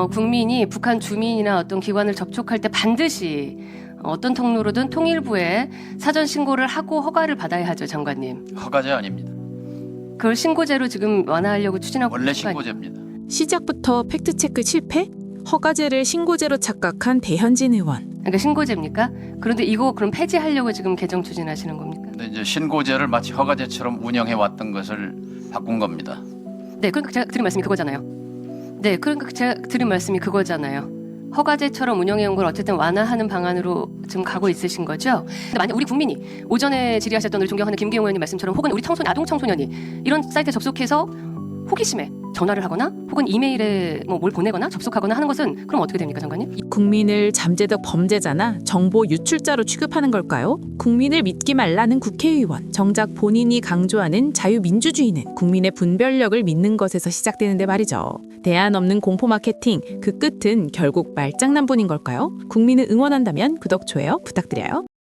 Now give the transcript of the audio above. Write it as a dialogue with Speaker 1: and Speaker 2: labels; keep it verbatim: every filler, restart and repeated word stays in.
Speaker 1: 어, 국민이 북한 주민이나 어떤 기관을 접촉할 때 반드시 어떤 통로로든 통일부에 사전 신고를 하고 허가를 받아야 하죠, 장관님.
Speaker 2: 허가제 아닙니다.
Speaker 1: 그걸 신고제로 지금 완화하려고 추진하고
Speaker 2: 원래
Speaker 1: 있는 거 아니에요?
Speaker 2: 신고제입니다.
Speaker 3: 시작부터 팩트체크 실패? 허가제를 신고제로 착각한 대현진 의원.
Speaker 1: 그러니까 신고제입니까? 그런데 이거 그럼 폐지하려고 지금 개정 추진하시는 겁니까?
Speaker 2: 근데 이제 신고제를 마치 허가제처럼 운영해 왔던 것을 바꾼 겁니다.
Speaker 1: 네, 그러니까 제가 드린 말씀이 그거잖아요. 네, 그러니까 제가 드린 말씀이 그거잖아요. 허가제처럼 운영해온 걸 어쨌든 완화하는 방안으로 지금 가고 있으신 거죠. 근데 만약 우리 국민이 오전에 질의하셨던 우리 존경하는 김기용 의원님 말씀처럼 혹은 우리 청소년, 아동 청소년이 이런 사이트에 접속해서 호기심에 전화를 하거나 혹은 이메일에 뭐 뭘 보내거나 접속하거나 하는 것은 그럼 어떻게 됩니까, 장관님?
Speaker 3: 국민을 잠재적 범죄자나 정보 유출자로 취급하는 걸까요? 국민을 믿기 말라는 국회의원. 정작 본인이 강조하는 자유민주주의는 국민의 분별력을 믿는 것에서 시작되는데 말이죠. 대안 없는 공포 마케팅, 그 끝은 결국 말장난뿐인 걸까요? 국민을 응원한다면 구독, 좋아요 부탁드려요.